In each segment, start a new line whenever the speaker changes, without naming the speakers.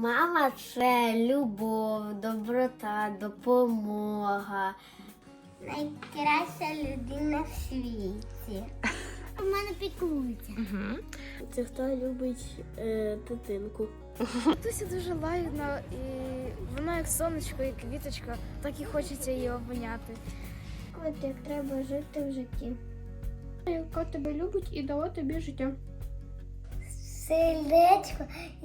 Мама це любов, доброта, допомога. Найкраща людина в світі. У мене піклується.
Це хто любить дитинку.
Туся дуже лагідна, і вона як сонечко, як квіточка, так і хочеться її обняти.
От як треба жити в житті.
Яка тебе любить і дала тобі життя.
Сердечко, і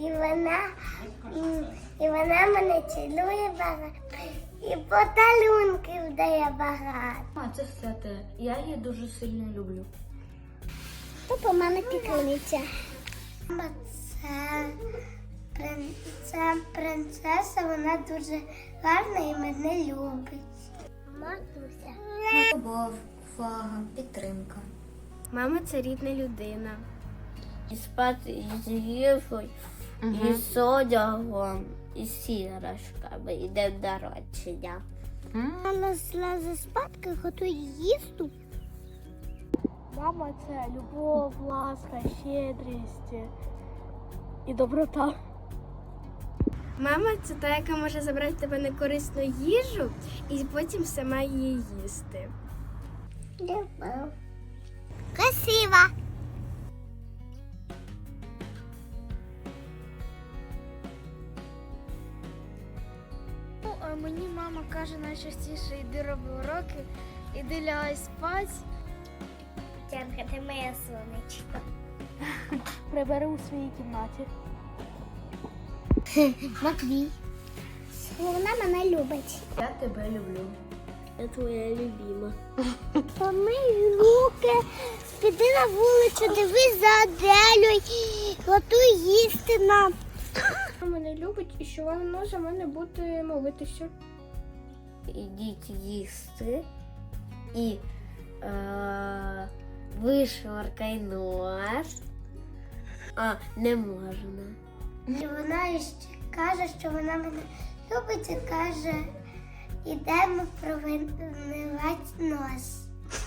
вона мене цілує багато, і подарунків дає багато.
Це святе. Я її дуже сильно люблю.
То по мене піклується. Мама це принцеса, вона дуже гарна і мене любить. Матуся.
Любов, увага, підтримка.
Мама це рідна людина.
І спати з їжею, і з одягом, і з іграшками, і днем народження. Вона злазить спадки, готує їсти.
Мама це любов, ласка, щедрість і доброта.
Мама це та, яка може забрати в тебе некорисну їжу і потім сама її їсти.
Любов. Красива.
Ну, а мені мама каже найчастіше: йди роби уроки, іди лягай спать.
Тянка, ти моя сонечко.
Прибери у своїй кімнаті.
Матвій. Вона мене любить.
Я тебе люблю.
Я твоя любима.
Помий руки, піди на вулицю, дивись за Аделю, готуй їсти нам.
Вона мене любить і що вона за мене буде молитися.
Ідіть їсти і вишваркай нос. А, не можна. І вона ще каже, що вона мене любить і каже, ідемо промивати нос.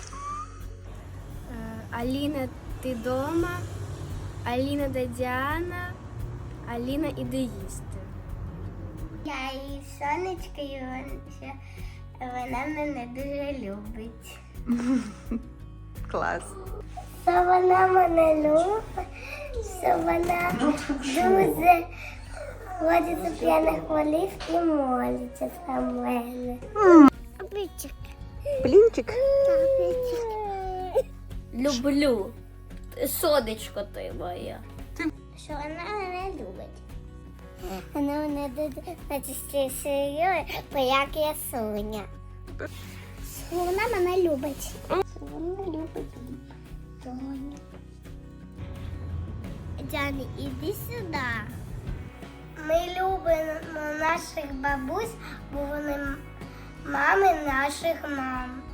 Аліна, ти дома? Аліна де Діана? Аліна, іди їсти.
Я її сонечко, і вона мене дуже любить.
Клас.
Що вона мене любить, що вона дуже ходить до п'яних голів і молиться за мене. Плінчик.
Плінчик?
Люблю. Сонечко ти моя. Що вона мене любить. Вона мене найчастіше, бо як я Соня. Що вона мене любить. Що вона любить Соню. Джані, іди сюди. Ми любимо наших бабусь, бо вони мами наших мам.